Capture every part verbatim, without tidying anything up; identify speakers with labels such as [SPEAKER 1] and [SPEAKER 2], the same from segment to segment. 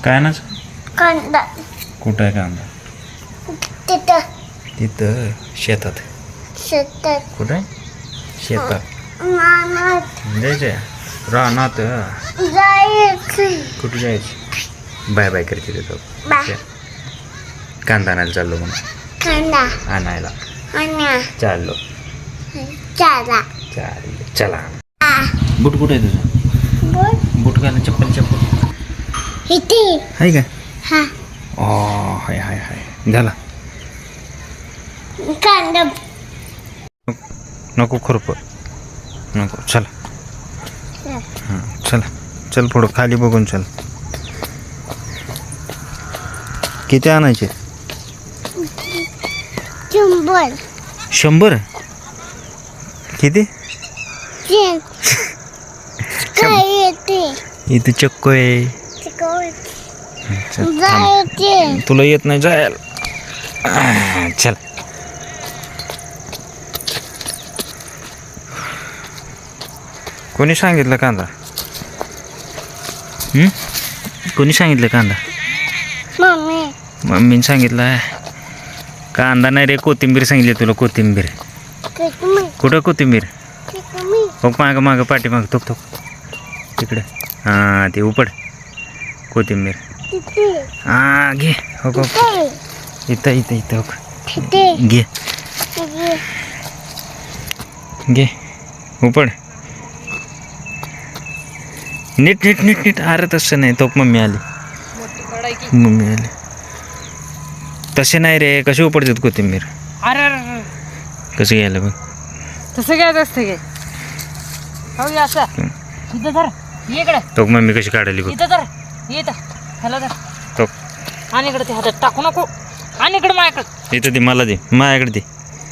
[SPEAKER 1] काय ना
[SPEAKER 2] कांदा
[SPEAKER 1] कुठं आहे कांदा?
[SPEAKER 2] तिथं
[SPEAKER 1] तिथं शेतात.
[SPEAKER 2] शेतात
[SPEAKER 1] कुठं आहे? शेतात
[SPEAKER 2] मामात
[SPEAKER 1] जायचंय रानात.
[SPEAKER 2] जायचं
[SPEAKER 1] कुठं जायचं? बाय बाय करते तिथं.
[SPEAKER 2] बा
[SPEAKER 1] कांदा आणायला चाललो म्हणून.
[SPEAKER 2] कांदा
[SPEAKER 1] आणायला
[SPEAKER 2] आणि
[SPEAKER 1] चाललो.
[SPEAKER 2] चाला
[SPEAKER 1] चाललो चला.
[SPEAKER 2] आ
[SPEAKER 1] बूट कुठं आहे तुझं?
[SPEAKER 2] बोल
[SPEAKER 1] बूट घाला चप्पल चप्पल
[SPEAKER 2] इथे
[SPEAKER 1] आहे का?
[SPEAKER 2] हा
[SPEAKER 1] ओ हाय हाय हाय झाला.
[SPEAKER 2] कांदा
[SPEAKER 1] नको खुरप नको. चला हां चला चल पुढं खाली बघून चल. किती आणायचे?
[SPEAKER 2] चुंबल
[SPEAKER 1] शंभर. किती?
[SPEAKER 2] चेन काय येते
[SPEAKER 1] इथे चक्को आहे. चल, थांब.
[SPEAKER 2] जायचे
[SPEAKER 1] तुला येत नाही जायला. आह, चल कोणी सांगितलं कांदा? हं? कोणी सांगितलं कांदा?
[SPEAKER 2] मम्मी
[SPEAKER 1] मम्मीने सांगितलं. कांदा नाही रे, कोथिंबीर सांगितली तुला. कोथिंबीर
[SPEAKER 2] किती
[SPEAKER 1] कुठं? कोथिंबीर
[SPEAKER 2] किती
[SPEAKER 1] हो मागं मागं पाठी मागं थोक थोक तिकडे. हां ते उपड कोथिंबीर.
[SPEAKER 2] किती
[SPEAKER 1] हां घे हो हो इथं इथं इथं हो
[SPEAKER 2] किती
[SPEAKER 1] घे घे उपड. नीट नीट नीट नीट. अरे तसं नाही. तो मम्मी आली मम्मी आली. तसे नाही रे. कसे उपडतात कोथिंबीर?
[SPEAKER 3] अरे अरे
[SPEAKER 1] कसं घ्यायला बघ.
[SPEAKER 3] तसं घ्यायचं असतं काय? हो ये असं इथं धर ये इकडे.
[SPEAKER 1] तो मम्मी कशी काढायली बघ.
[SPEAKER 3] इथं धर ये इथं ह्याला धर
[SPEAKER 1] तो
[SPEAKER 3] आणि इकडे ते हातात टाकू नको. आणि इकडे माझ्याकडे
[SPEAKER 1] इथं दे मला दे माझ्याकडे दे.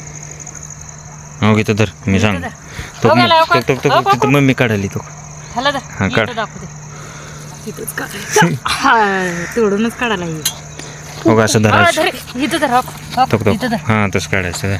[SPEAKER 1] हो इथं धर मी सांग. तो
[SPEAKER 3] हो गेला, हो का?
[SPEAKER 1] तो तो
[SPEAKER 3] हो, हो,
[SPEAKER 1] तिथं मम्मी काढायली तो.
[SPEAKER 3] ह्याला धर
[SPEAKER 1] हा, काढ.
[SPEAKER 3] इथं दाखवते. तिथंच काढायचं. हा, तोडूनच काढायला ये.
[SPEAKER 1] हो असं
[SPEAKER 3] हा,
[SPEAKER 1] धरायचं.
[SPEAKER 3] धर इथं धर हो, हो,
[SPEAKER 1] तो तो
[SPEAKER 3] इथं धर.
[SPEAKER 1] हां तसं काढायचं.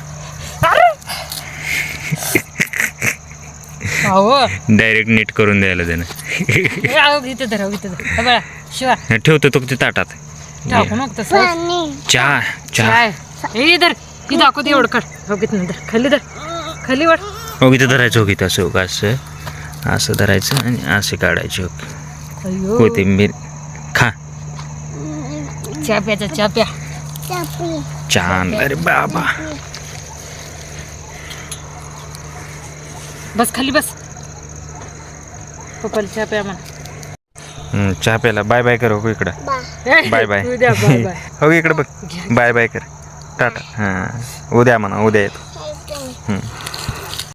[SPEAKER 3] हो
[SPEAKER 1] डायरेक्ट नीट करून द्यायला देणं.
[SPEAKER 3] इथं धर हो, इथं धर हे बघा शिवा
[SPEAKER 1] ठेवतो तो ते ताटात.
[SPEAKER 3] टाकू नको तसं.
[SPEAKER 2] पाणी
[SPEAKER 1] चहा चहा
[SPEAKER 3] काय हे धर ही दाखवते एवढं काढ. हो किती धर खाली धर खाली वाट.
[SPEAKER 1] हो इथं धरायचं. हो इथं असं हो असं असं धरायचं आणि असे काढायचे. हो
[SPEAKER 3] अयो
[SPEAKER 1] कोथिंबीर खा.
[SPEAKER 3] चहा प्याचा चहा प्या.
[SPEAKER 2] चापी
[SPEAKER 1] छान. अरे बाबा
[SPEAKER 3] बस खाली बस. पप्पाला चहा प्या म्हणा.
[SPEAKER 1] हं, चहा प्यायला बाय बाय कर. हो इकडं
[SPEAKER 2] बा
[SPEAKER 1] बाय बाय.
[SPEAKER 3] उद्या बाय बाय.
[SPEAKER 1] हो इकडं बघ बाय बाय कर. टाटा. हां उद्या म्हणा उद्या येतो.
[SPEAKER 2] ऐकून
[SPEAKER 1] हं.